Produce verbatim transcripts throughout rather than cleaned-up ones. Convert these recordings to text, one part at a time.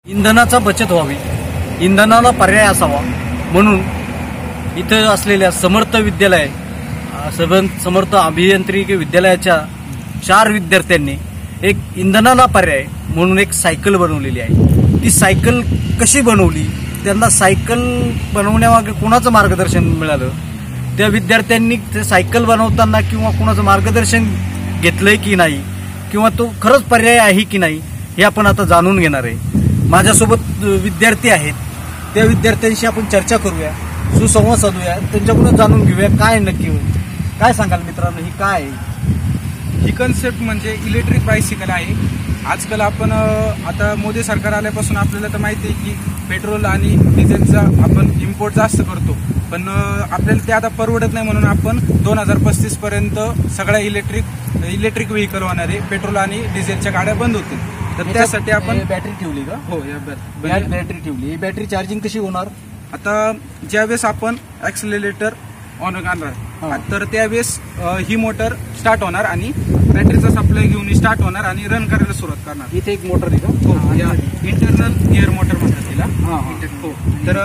इंधनाचा बचत व्हावी, इंधनाला पर्याय असावा म्हणून इथे असलेल्या समर्थ विद्यालय समर्थ अभियांत्रिकी विद्यालयाच्या चार विद्यार्थ्यांनी एक इंधनाला पर्याय म्हणून एक सायकल बनवलेली आहे। ती सायकल कशी बनवली, त्यांना सायकल बनवण्यामागे कोणाचं मार्गदर्शन मिळालं, त्या विद्यार्थ्यांनी ते सायकल बनवताना किंवा कोणाचं मार्गदर्शन घेतलंय की नाही, किंवा तो खरंच पर्याय आहे की नाही हे आपण आता जाणून घेणार आहे। माझ्यासोबत विद्यार्थी आहेत, त्या विद्यार्थ्यांशी आपण चर्चा करूया, सुसंवाद साधूया, त्यांच्याकडून जाणून घेऊया काय नक्की होईल। काय सांगाल मित्रांनो, ही काय आहे? ही कन्सेप्ट म्हणजे इलेक्ट्रिक बायसिकल आहे। आजकाल आपण आता मोदी सरकार आल्यापासून आपल्याला तर माहिती आहे की पेट्रोल आणि डिझेलचा आपण इम्पोर्ट जास्त करतो, पण आपल्याला ते आता परवडत नाही, म्हणून आपण दोन हजार पस्तीस पर्यंत सगळ्या इलेक्ट्रिक इलेक्ट्रिक व्हेकल होणारे पेट्रोल आणि डिझेलच्या गाड्या बंद होतील। तर त्यासाठी आपण बॅटरी ठेवली का? हो, या बॅटरी ठेवली। ही बॅटरी चार्जिंग कशी होणार? आता ज्यावेळेस आपण ऍक्सिलरेटर ऑन करणार तर त्यावेळेस ही मोटर स्टार्ट होणार आणि बॅटरीचा सप्लाय घेऊन स्टार्ट होणार आणि रन करायला सुरुवात करणार। इथे एक मोटर आहे का? हो, या इंटरनल गिअर मोटर म्हणतात तिला। हो, तर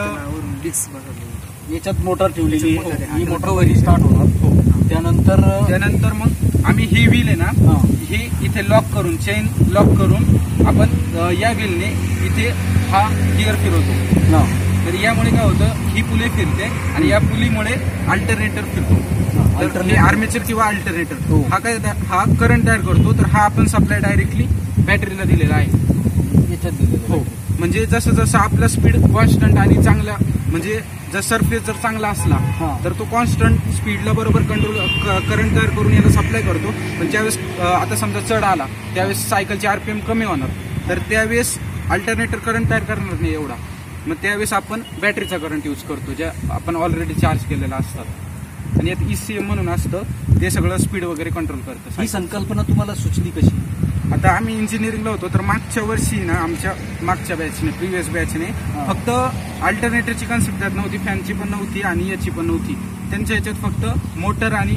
याच्यात मोटर ठेवलेली, ही मोटर वरी स्टार्ट होणार। हो, त्यानंतर त्यानंतर मग आम्ही ही व्हील आहे ना, ही इथे लॉक करून, चेन लॉक करून आपण या व्हीलने इथे हा गिअर फिरवतो। तर यामुळे काय होतं, ही पुली फिरते आणि या पुलीमुळे अल्टरनेटर फिरतो। तर हे आर्मेचर किंवा अल्टरनेटर हा काय हा करंट तयार करतो। तर हा आपण सप्लाय डायरेक्टली बॅटरीला दिलेला आहे। याच्यात दिलेला हो, म्हणजे जसं जसं आपला स्पीड कॉन्स्टंट आणि चांगला, म्हणजे जर सरफेस जर चांगला असला तर तो कॉन्स्टंट स्पीडला बरोबर कंट्रोल करंट तयार करून याला सप्लाय करतो। पण ज्यावेळेस आता समजा चढ आला त्यावेळेस सायकलचे आरपीएम कमी होणार, तर त्यावेळेस अल्टरनेटर करंट तयार करणार नाही एवढा, मग त्यावेळेस आपण बॅटरीचा करंट यूज करतो, ज्या आपण ऑलरेडी चार्ज केलेला असतात। आणि यात ईसीएम म्हणून असतं, ते सगळं स्पीड वगैरे कंट्रोल करतं। ही संकल्पना तुम्हाला सुचली कशी? आता आम्ही इंजिनिअरिंगला होतो, तर मागच्या वर्षी ना आमच्या मागच्या बॅचने प्रिव्हियस बॅचने फक्त अल्टरनेटरची कन्सेप्ट त्यात नव्हती, फॅनची पण नव्हती आणि याची पण नव्हती। त्यांच्या याच्यात फक्त मोटर आणि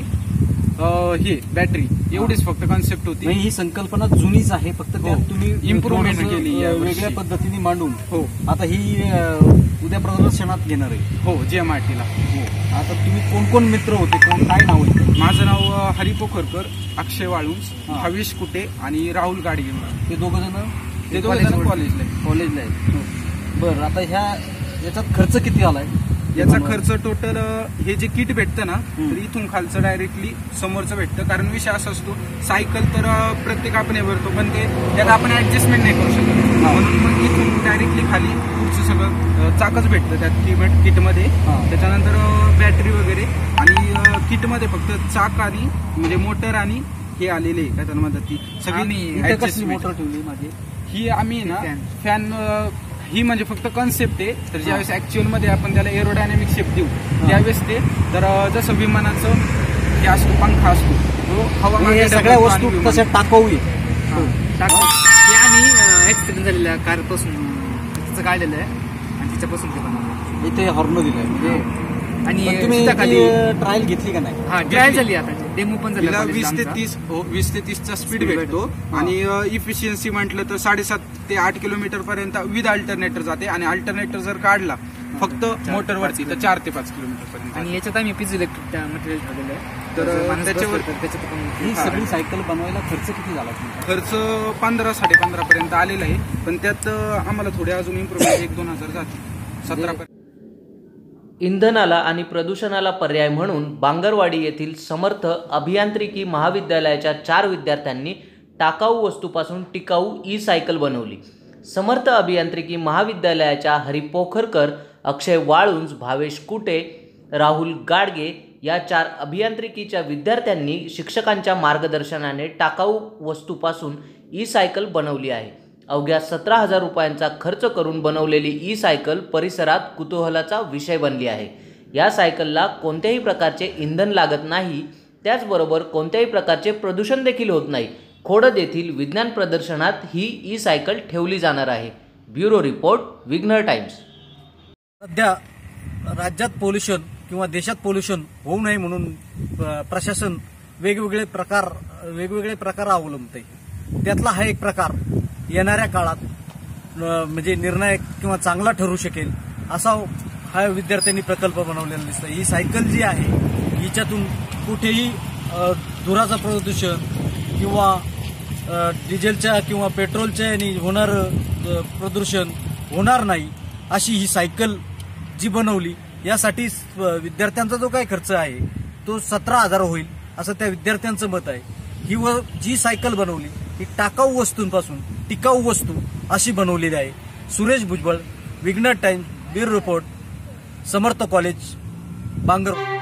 हे बॅटरी एवढीच फक्त कॉन्सेप्ट होती। ही संकल्पना जुनीच आहे, फक्त त्यात तुम्ही इम्प्रुव्हमेंट केली वेगळ्या पद्धतीने मांडून। हो, आता ही उद्या प्रदर्शनात घेणार आहे। हो, जेएमआरटीला। हो, आता तुम्ही कोण कोण मित्र होते, कोण काय नाव आहे? माझं नाव हरी पोखरकर, अक्षय वाळुंज, हवीश कुटे आणि राहुल गाडगे। ते दोघ जण ते दोघ जण कॉलेजला कॉलेजला आहेत। बरं, आता ह्या याच्यात खर्च किती आलाय? याचा खर्च टोटल हे जे किट भेटतं ना, तर इथून खालचं डायरेक्टली समोरचं भेटतं। कारण विषय असा असतो, सायकल तर प्रत्येक आपण हे भरतो, पण ते त्यात आपण ऍडजस्टमेंट नाही करू शकत, म्हणून मग इथून डायरेक्टली खाली पुढचं सगळं चाकच भेटतं त्यात किटमध्ये। त्याच्यानंतर बॅटरी वगैरे, आणि किटमध्ये फक्त चाक आणि म्हणजे मोटर आणि हे आलेले काय त्यांना म्हणतात ती सगळी मोटर ठेवली माझी। ही आम्ही ना फॅन, ही म्हणजे फक्त कन्सेप्ट आहे। तर ज्यावेळेस ऍक्च्युअल मध्ये आपण त्याला एरोडायनामिक शेप देऊ त्यावेळेस ते, तर जसं विमानाचं हे असतो पंखा असतो, तो हवा, सगळ्या वस्तू तशा टाकाऊ आम्ही ऍक्सिडेंट झालेल्या कारपासून तिचं काढलेलं आहे आणि तिच्यापासून ते बनवलं। इथे हॉर्न दिलाय आणि तुम्ही ट्रायल घेतली का नाही? हा, ट्रायल झाली, आता डेमो पण झाला। वीस ते तीस वीस ते तीसचा स्पीड भेटतो आणि इफिशियन्सी म्हटलं तर साडेसात ते आठ किलोमीटर पर्यंत विथ अल्टरनेटर जाते, आणि अल्टरनेटर जर काढला फक्त मोटरवरती तर चार ते पाच किलोमीटर पर्यंत। आणि याच्यात आम्ही पीज इलेक्ट्रिक मटेरियल ठेवलेलं आहे, तर त्याच्यावर ही सगळी सायकल बनवायला खर्च किती झाला? खर्च पंधरा साडे पंधरा पर्यंत आलेला आहे, पण त्यात आम्हाला थोडे अजून इम्प्रूव्हमेंट एक दोन हजार जाते, सतरा पर्यंत। इंधनाला आणि प्रदूषणाला पर्याय म्हणून बांगरवाडी येथील समर्थ अभियांत्रिकी महाविद्यालयाच्या चार विद्यार्थ्यांनी टाकाऊ वस्तूपासून टिकाऊ ई सायकल बनवली। समर्थ अभियांत्रिकी महाविद्यालयाच्या हरी पोखरकर, अक्षय वाळुंज, भावेश कुटे, राहुल गाडगे या चार अभियांत्रिकीच्या विद्यार्थ्यांनी शिक्षकांच्या मार्गदर्शनाने टाकाऊ वस्तूपासून ई सायकल बनवली आहे। अवघ्या सतरा हजार रुपयांचा खर्च करून बनवलेली ई सायकल परिसरात कुतूहलाचा विषय बनली आहे। या सायकलला कोणत्याही प्रकारचे इंधन लागत नाही, त्याचबरोबर कोणत्याही प्रकारचे प्रदूषण देखील होत नाही। खोडद येथील विज्ञान प्रदर्शनात ही ई सायकल ठेवली जाणार आहे। Bureau report, Vighnar times. सध्या राज्यात पोल्युशन किंवा देशात पोल्युशन होऊ नये म्हणून प्रशासन वेगवेगळे प्रकार वेगवेगळे प्रकार अवलंबते। त्यातला हा एक प्रकार येणाऱ्या काळात म्हणजे निर्णायक किंवा चांगला ठरू शकेल असा हा विद्यार्थ्यांनी प्रकल्प बनवलेला दिसतो. ही सायकल जी आहे हिच्यातून कुठेही धुराचं प्रदूषण किंवा डिझेलच्या किंवा पेट्रोलच्या यांनी होणारं प्रदूषण होणार नाही अशी ही सायकल जी बनवली. यासाठी विद्यार्थ्यांचा जो काही खर्च आहे तो सतरा हजार होईल असं त्या विद्यार्थ्यांचं मत आहे. ही व जी सायकल बनवली ही टाकाऊ वस्तूंपासून टिकाऊ वस्तू अशी बनवलेली आहे. Suresh Bhujbal, Vighnar times, bureau report, Samarth college, Bangar.